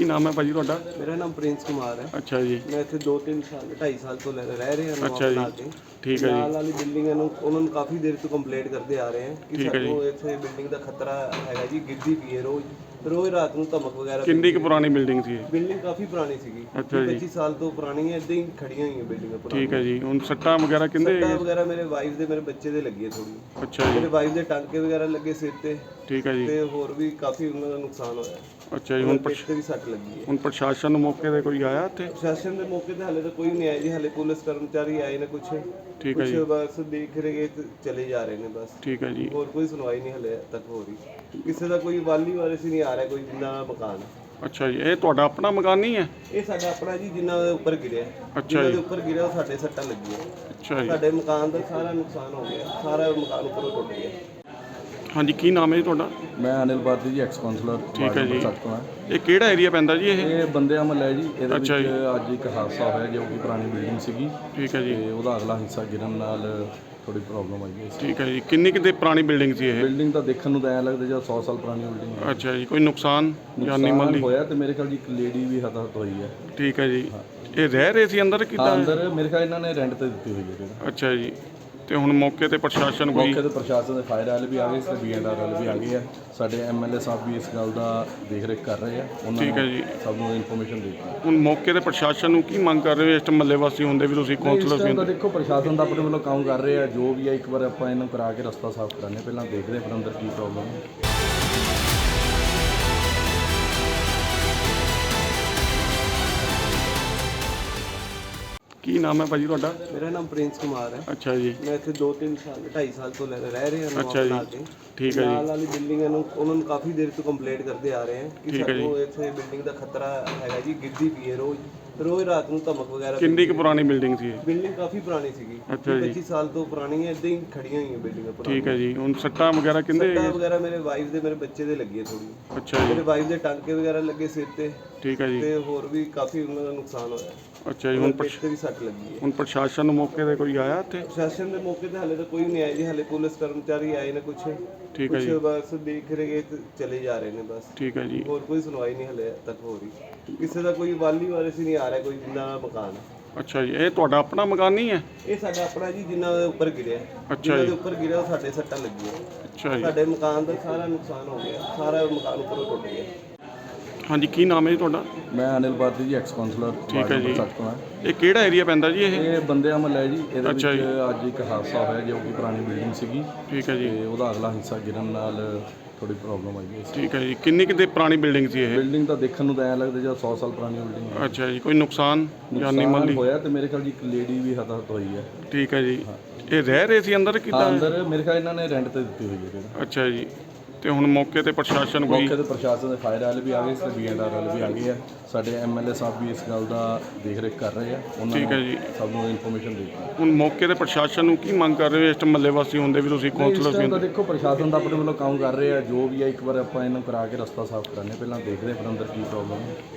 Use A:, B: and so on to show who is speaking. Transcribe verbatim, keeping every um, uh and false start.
A: ਨਾਮ ਹੈ ਭਾਜੀ ਤੁਹਾਡਾ?
B: मेरा नाम प्रिंस कुमार है।
A: ਅੱਛਾ ਜੀ।
B: मैं इतने दो तीन साल ढाई साल तो रह रहे हैं
A: ਅੱਛਾ ਜੀ।
B: के
A: ਠੀਕ ਹੈ
B: ਨਾਲ
A: ਜੀ।
B: ਵਾਲੀ ਬਿਲਡਿੰਗ ਨੂੰ ਉਹਨਾਂ ਨੂੰ ਕਾਫੀ ਦੇਰ ਤੋਂ ਕੰਪਲੇਂਟ ਕਰਦੇ ਆ ਰਹੇ ਹਨ ਕਿ
A: ਠੀਕ ਹੈ
B: ਸਾਨੂੰ ਇੱਥੇ ਬਿਲਡਿੰਗ ਦਾ ਖਤਰਾ ਹੈਗਾ ਜੀ, ਗਿਰਦੀ ਪਈ ਹੈ ਰੋਜ਼ ਰੋਜ਼ ਰਾਤ ਨੂੰ ਧਮਕ ਵਗੈਰਾ।
A: ਕਿੰਨੀ ਕੁ ਪੁਰਾਣੀ ਬਿਲਡਿੰਗ ਸੀ ਇਹ?
B: ਬਿਲਡਿੰਗ ਕਾਫੀ ਪੁਰਾਣੀ ਸੀਗੀ,
A: ਅੱਛਾ ਜੀ।
B: ਪੱਚੀ ਸਾਲ ਤੋਂ ਪੁਰਾਣੀ ਹੈ, ਇਦਾਂ ਹੀ ਖੜੀਆਂ ਹੋਈਆਂ ਬਿਲਡਿੰਗਾਂ ਪੁਰਾਣੀਆਂ।
A: ਠੀਕ ਹੈ ਜੀ। ਹੁਣ ਸੱਟਾਂ ਵਗੈਰਾ ਕਿੰਦੇ?
B: ਸੱਟਾਂ ਵਗੈਰਾ ਮੇਰੇ ਵਾਈਫ ਦੇ ਮੇਰੇ ਬੱਚੇ ਦੇ ਲੱਗੀ ਹੈ ਥੋੜੀ।
A: ਅੱਛਾ ਜੀ।
B: ਮੇਰੇ ਵਾਈਫ ਦੇ ਟਾਂਕੇ ਵਗੈਰਾ ਲੱਗੇ ਸਿਰ ਤੇ,
A: ਠੀਕ ਹੈ ਜੀ।
B: ਤੇ ਹੋਰ ਵੀ ਕਾਫੀ ਉਹਨਾਂ ਦਾ ਨੁਕਸਾਨ ਹੋਇਆ।
A: ਅੱਛਾ ਜੀ। ਹੁਣ
B: ਪਿੱਠ ਤੇ ਵੀ ਸੱਟ ਲੱਗੀ ਹੈ।
A: ਹੁਣ ਪ੍ਰਸ਼ਾਸਨ ਨੂੰ ਮੌਕੇ ਤੇ ਕੋਈ ਆਇਆ ਇੱਥੇ?
B: ਪ੍ਰਸ਼ਾਸਨ ਦੇ ਮੌਕੇ ਤੇ ਹਾਲੇ ਤਾਂ ਕੋਈ ਨਹੀਂ ਆਇਆ ਜੀ, ਹਾਲੇ ਪੁਲਿਸ ਕਰਮਚਾਰੀ ਆਏ ਨੇ ਕੁਛ
A: ਠੀਕ ਹੈ
B: ਕੁਛ
A: ਜੀ।
B: ਬਸ ਦੇਖ ਰਹੇ ਤੇ ਚਲੇ ਜਾ ਰਹੇ ਨੇ ਬਸ।
A: ਠੀਕ ਹੈ ਜੀ।
B: ਹੋਰ ਕੋਈ ਸੁਣਵਾਈ ਨਹੀਂ ਹਲੇ ਤੱਕ ਹੋ ਰਹੀ, ਕਿਸੇ ਦਾ ਕੋਈ ਵਾਲੀ ਵਾਰਿਸ ਹੀ ਨਹੀਂ ਆ ਰਿਹਾ, ਕੋਈ ਜਿੰਨਾ ਮਕਾਨ ਹੈ।
A: ਅੱਛਾ ਜੀ। ਇਹ ਤੁਹਾਡਾ ਆਪਣਾ ਮਕਾਨ ਨਹੀਂ ਹੈ?
B: ਇਹ ਸਾਡਾ ਆਪਣਾ ਜੀ, ਜਿੰਨਾ ਦੇ ਉੱਪਰ ਗਿਰਿਆ,
A: ਅੱਛਾ
B: ਜਿੰਨਾ
A: ਜੀ।
B: ਦੇ ਉੱਪਰ ਗਿਰਿਆ ਉਹ ਸਾਡੇ ਸੱਟਾਂ ਲੱਗੀਆਂ।
A: ਅੱਛਾ ਜੀ।
B: ਸਾਡੇ ਮਕਾਨ ਦਾ ਸਾਰਾ ਨੁਕਸਾਨ ਹੋ ਗਿਆ, ਸਾਰਾ ਮਕਾਨ ਉੱਪਰੋਂ ਟੁੱਟ ਗਿਆ।
A: ਹਾਂਜੀ, ਕੀ ਨਾਮ ਹੈ ਜੀ ਤੁਹਾਡਾ?
C: ਮੈਂ ਅਨਿਲ ਬਾਦੀ ਜੀ, ਐਕਸ ਕਾਉਂਸਲਰ
A: ਠੀਕ ਹੈ ਜੀ।
C: ਤੋਂ ਹਾਂ।
A: ਇਹ ਕਿਹੜਾ ਏਰੀਆ ਪੈਂਦਾ ਜੀ ਇਹ?
C: ਇਹ ਬੰਦਿਆਂ ਮਹੱਲਾ ਹੈ ਜੀ। ਇਹਦੇ ਵਿੱਚ
A: ਅੱਛਾ ਜੀ।
C: ਅੱਜ ਇੱਕ ਹਾਦਸਾ ਹੋਇਆ ਜੋ ਕਿ ਪੁਰਾਣੀ ਬਿਲਡਿੰਗ ਸੀਗੀ,
A: ਠੀਕ ਹੈ ਜੀ।
C: ਤੇ ਉਹਦਾ ਅਗਲਾ ਹਿੱਸਾ ਗਿਰਨ ਨਾਲ ਥੋੜੀ ਪ੍ਰੋਬਲਮ ਆਈ ਹੈ।
A: ਠੀਕ ਹੈ ਜੀ। ਕਿੰਨੀ ਕਿਤੇ ਪੁਰਾਣੀ ਬਿਲਡਿੰਗ ਸੀ ਇਹ?
C: ਬਿਲਡਿੰਗ ਤਾਂ ਦੇਖਣ ਨੂੰ ਤਾਂ ਐਂ ਲੱਗਦਾ ਜਿਵੇਂ ਸੌ ਸਾਲ ਪੁਰਾਣੀ ਬਿਲਡਿੰਗ ਹੈ।
A: ਅੱਛਾ ਜੀ। ਕੋਈ ਨੁਕਸਾਨ ਜਾਨੀ
C: ਨੁਕਸਾਨ
A: ਮਾਲੀ?
C: ਹੋਇਆ ਤੇ ਮੇਰੇ ਖਿਆਲ ਜੀ ਇੱਕ ਲੇਡੀ ਵੀ ਹਤਾਹਤ ਹੋਈ ਹੈ।
A: ਠੀਕ ਹੈ ਜੀ। ਇਹ ਰਹਿ ਰਹੇ ਸੀ ਅੰਦਰ
C: ਹਾਂ,
A: ਕਿੱਦਾਂ?
C: ਅੰਦਰ ਮੇਰੇ ਖਿਆਲ ਇਹਨਾਂ ਨੇ ਰੈਂਟ ਤੇ ਦਿੱਤੀ ਹੋਈ ਹੈ ਜਿਹੜਾ।
A: ਅੱਛਾ ਜੀ। ਤੇ ਹੁਣ ਮੌਕੇ ਤੇ ਪ੍ਰਸ਼ਾਸਨ ਕੋਈ?
C: ਮੌਕੇ ਤੇ ਪ੍ਰਸ਼ਾਸਨ ਦੇ ਫਾਇਰ ਵਾਲੇ ਵੀ ਆ ਗਏ ਤੇ ਬੀ ਐਂਡ ਆਰ ਵਾਲੇ ਵੀ ਆ ਗਏ ਆ। ਸਾਡੇ ਐਮ ਐਲ ਏ ਸਾਹਿਬ ਵੀ ਇਸ ਗੱਲ ਦਾ ਦੇਖ ਰੇਖ ਕਰ ਰਹੇ ਆ। ਉਹਨਾਂ
A: ਠੀਕ ਹੈ ਜੀ।
C: ਨੂੰ ਸਭ ਨੂੰ ਇਨਫੋਰਮੇਸ਼ਨ ਦੇ ਦਿੱਤੀ।
A: ਹੁਣ ਮੌਕੇ ਤੇ ਪ੍ਰਸ਼ਾਸਨ ਨੂੰ ਕੀ ਮੰਗ ਕਰ ਰਹੇ ਹੋ? ਇਸ ਮਹੱਲੇ ਵਾਸੀ ਹੁੰਦੇ ਵੀ ਤੁਸੀਂ
C: ਇਸ
A: ਕਾਉਂਸਲਰ
C: ਟਾਈਮ
A: ਸੀ।
C: ਤਾਂ ਦੇਖੋ ਪ੍ਰਸ਼ਾਸਨ ਦਾ ਆਪਣੇ ਵੱਲੋਂ ਕੰਮ ਕਰ ਰਹੇ ਆ, ਜੋ ਵੀ ਆ ਇੱਕ ਵਾਰ ਆਪਾਂ ਇਹਨੂੰ ਕਰਾ ਕੇ ਰਸਤਾ ਸਾਫ਼ ਕਰਾਂਗੇ, ਪਹਿਲਾਂ ਦੇਖਦੇ ਹਾਂ ਅੰਦਰ ਕੀ ਪ੍ਰੋਬਲਮ ਹੈ।
A: ਕੀ ਨਾਮ ਹੈ ਭਾਜੀ ਤੁਹਾਡਾ?
B: ਮੇਰਾ ਨਾਮ ਪ੍ਰਿੰਸ ਕੁਮਾਰ ਹੈ।
A: ਅੱਛਾ ਜੀ।
B: ਮੈਂ ਇੱਥੇ ਦੋ ਤਿੰਨ ਸਾਲ ਢਾਈ ਸਾਲ ਤੋਂ ਰਹਿ ਰਹੇ ਹਾਂ
A: ਅੱਛਾ ਜੀ।
B: ਕੇ
A: ਠੀਕ ਹੈ
B: ਨਾਲ
A: ਜੀ।
B: ਵਾਲੀ ਬਿਲਡਿੰਗ ਨੂੰ ਉਹਨਾਂ ਨੂੰ ਕਾਫੀ ਦੇਰ ਤੋਂ ਕੰਪਲੇਂਟ ਕਰਦੇ ਆ ਰਹੇ ਹਨ ਕਿ
A: ਠੀਕ ਹੈ ਜੀ।
B: ਸਾਨੂੰ ਇੱਥੇ ਬਿਲਡਿੰਗ ਦਾ ਖਤਰਾ ਹੈਗਾ ਜੀ, ਗਿਰਦੀ ਪਈ ਹੈ ਰੋਜ਼ ਰੋਜ਼ ਰਾਤ ਨੂੰ ਧਮਕ ਵਗੈਰਾ।
A: ਕਿੰਨੀ ਕੁ ਪੁਰਾਣੀ ਬਿਲਡਿੰਗ ਸੀ ਇਹ?
B: ਬਿਲਡਿੰਗ ਕਾਫੀ ਪੁਰਾਣੀ ਸੀਗੀ,
A: ਅੱਛਾ ਜੀ।
B: ਪੱਚੀ ਸਾਲ ਤੋਂ ਪੁਰਾਣੀ ਹੈ, ਇਦਾਂ ਹੀ ਖੜੀਆਂ ਹੋਈਆਂ ਬਿਲਡਿੰਗਾਂ ਪੁਰਾਣੀਆਂ।
A: ਠੀਕ ਹੈ ਜੀ। ਹੁਣ ਸੱਟਾਂ ਵਗੈਰਾ ਕਿੰਦੇ?
B: ਸੱਟਾਂ ਵਗੈਰਾ ਮੇਰੇ ਵਾਈਫ ਦੇ ਮੇਰੇ ਬੱਚੇ ਦੇ ਲੱਗੀ ਹੈ ਥੋੜੀ।
A: ਅੱਛਾ ਜੀ।
B: ਮੇਰੇ ਵਾਈਫ ਦੇ ਟਾਂਕੇ ਵਗੈਰਾ ਲੱਗੇ ਸਿਰ ਤੇ,
A: ਠੀਕ ਹੈ ਜੀ।
B: ਤੇ ਹੋਰ ਵੀ ਕਾਫੀ ਉਹਨਾਂ ਦਾ ਨੁਕਸਾਨ ਹੋਇਆ।
A: ਅੱਛਾ ਜੀ। ਹੁਣ
B: ਪਿੱਠ ਤੇ ਵੀ ਸੱਟ ਲੱਗੀ ਹੈ।
A: ਹੁਣ ਪ੍ਰਸ਼ਾਸਨ ਨੂੰ ਮੌਕੇ ਤੇ ਕੋਈ ਆਇਆ ਇੱਥੇ?
B: ਪ੍ਰਸ਼ਾਸਨ ਦੇ ਮੌਕੇ ਤੇ ਹਾਲੇ ਤਾਂ ਕੋਈ ਨਹੀਂ ਆਇਆ ਜੀ, ਹਾਲੇ ਪੁਲਿਸ ਕਰਮਚਾਰੀ ਆਏ ਨੇ ਕੁਛ
A: ਠੀਕ ਹੈ
B: ਕੁਛ
A: ਜੀ।
B: ਬਸ ਦੇਖ ਰਹੇ ਤੇ ਚਲੇ ਜਾ ਰਹੇ ਨੇ ਬਸ।
A: ਠੀਕ ਹੈ ਜੀ।
B: ਹੋਰ ਕੋਈ ਸੁਣਵਾਈ ਨਹੀਂ ਹਲੇ ਤੱਕ ਹੋ ਰਹੀ, ਕਿਸੇ ਦਾ ਕੋਈ ਵਾਲੀ ਵਾਰਿਸ ਹੀ ਨਹੀਂ ਆ ਰਿਹਾ, ਕੋਈ ਜਿੰਨਾ ਮਕਾਨ ਹੈ।
A: ਅੱਛਾ ਜੀ। ਇਹ ਤੁਹਾਡਾ ਆਪਣਾ ਮਕਾਨ ਨਹੀਂ ਹੈ?
B: ਇਹ ਸਾਡਾ ਆਪਣਾ ਜੀ, ਜਿੰਨਾ ਦੇ ਉੱਪਰ ਗਿਰਿਆ,
A: ਅੱਛਾ
B: ਜਿੰਨਾ
A: ਜੀ।
B: ਦੇ ਉੱਪਰ ਗਿਰਿਆ ਉਹ ਸਾਡੇ ਸੱਟਾਂ ਲੱਗੀਆਂ।
A: ਅੱਛਾ ਜੀ।
B: ਸਾਡੇ ਮਕਾਨ ਦਾ ਸਾਰਾ ਨੁਕਸਾਨ ਹੋ ਗਿਆ, ਸਾਰਾ ਮਕਾਨ ਉੱਪਰੋਂ ਟੁੱਟ ਗਿਆ।
A: ਹਾਂਜੀ, ਕੀ ਨਾਮ ਹੈ ਜੀ ਤੁਹਾਡਾ?
C: ਮੈਂ ਅਨਿਲ ਬਾਦੀ ਜੀ, ਐਕਸ ਕਾਉਂਸਲਰ
A: ਠੀਕ ਹੈ ਜੀ।
C: ਤੋਂ ਹਾਂ।
A: ਇਹ ਕਿਹੜਾ ਏਰੀਆ ਪੈਂਦਾ ਜੀ ਇਹ?
C: ਇਹ ਬੰਦਿਆਂ ਮਹੱਲਾ ਹੈ ਜੀ। ਇਹਦੇ ਵਿੱਚ
A: ਅੱਛਾ ਜੀ।
C: ਅੱਜ ਇੱਕ ਹਾਦਸਾ ਹੋਇਆ ਜੋ ਕਿ ਪੁਰਾਣੀ ਬਿਲਡਿੰਗ ਸੀਗੀ,
A: ਠੀਕ ਹੈ ਜੀ।
C: ਤੇ ਉਹਦਾ ਅਗਲਾ ਹਿੱਸਾ ਗਿਰਨ ਨਾਲ ਥੋੜੀ ਪ੍ਰੋਬਲਮ ਆਈ ਹੈ।
A: ਠੀਕ ਹੈ ਜੀ। ਕਿੰਨੀ ਕਿਤੇ ਪੁਰਾਣੀ ਬਿਲਡਿੰਗ ਸੀ ਇਹ?
C: ਬਿਲਡਿੰਗ ਤਾਂ ਦੇਖਣ ਨੂੰ ਤਾਂ ਐਂ ਲੱਗਦਾ ਜਿਵੇਂ ਸੌ ਸਾਲ ਪੁਰਾਣੀ ਬਿਲਡਿੰਗ ਹੈ।
A: ਅੱਛਾ ਜੀ। ਕੋਈ ਨੁਕਸਾਨ ਜਾਨੀ
C: ਨੁਕਸਾਨ
A: ਮਾਲੀ?
C: ਹੋਇਆ ਤੇ ਮੇਰੇ ਖਿਆਲ ਜੀ ਇੱਕ ਲੇਡੀ ਵੀ ਹਤਾਹਤ ਹੋਈ ਹੈ।
A: ਠੀਕ ਹੈ ਜੀ। ਇਹ ਰਹਿ ਰਹੇ ਸੀ ਅੰਦਰ
C: ਹਾਂ,
A: ਕਿੱਦਾਂ?
C: ਅੰਦਰ ਮੇਰੇ ਖਿਆਲ ਇਹਨਾਂ ਨੇ ਰੈਂਟ ਤੇ ਦਿੱਤੀ ਹੋਈ ਹੈ ਜਿਹੜਾ।
A: ਅੱਛਾ ਜੀ। ਤੇ ਹੁਣ ਮੌਕੇ ਤੇ ਪ੍ਰਸ਼ਾਸਨ ਕੋਈ?
C: ਮੌਕੇ ਤੇ ਪ੍ਰਸ਼ਾਸਨ ਦੇ ਫਾਇਰ ਵਾਲੇ ਵੀ ਆ ਗਏ ਤੇ ਬੀ ਐਂਡ ਆਰ ਵਾਲੇ ਵੀ ਆ ਗਏ ਆ। ਸਾਡੇ ਐਮ ਐਲ ਏ ਸਾਹਿਬ ਵੀ ਇਸ ਗੱਲ ਦਾ ਦੇਖ ਰੇਖ ਕਰ ਰਹੇ ਆ। ਉਹਨਾਂ
A: ਠੀਕ ਹੈ ਜੀ।
C: ਨੂੰ ਸਭ ਨੂੰ ਇਨਫੋਰਮੇਸ਼ਨ ਦੇ ਦਿੱਤੀ।
A: ਹੁਣ ਮੌਕੇ ਤੇ ਪ੍ਰਸ਼ਾਸਨ ਨੂੰ ਕੀ ਮੰਗ ਕਰ ਰਹੇ ਹੋ? ਇਸ ਮਹੱਲੇ ਵਾਸੀ ਹੁੰਦੇ ਵੀ ਤੁਸੀਂ
C: ਇਸ
A: ਕਾਉਂਸਲਰ
C: ਟਾਈਮ
A: ਸੀ।
C: ਤਾਂ ਦੇਖੋ ਪ੍ਰਸ਼ਾਸਨ ਦਾ ਆਪਣੇ ਵੱਲੋਂ ਕੰਮ ਕਰ ਰਹੇ ਆ, ਜੋ ਵੀ ਆ ਇੱਕ ਵਾਰ ਆਪਾਂ ਇਹਨੂੰ ਕਰਾ ਕੇ ਰਸਤਾ ਸਾਫ਼ ਕਰਾਂਗੇ, ਪਹਿਲਾਂ ਦੇਖਦੇ ਹਾਂ ਫਿਰ ਅੰਦਰ ਕੀ ਪ੍ਰੋਬਲਮ ਹੈ।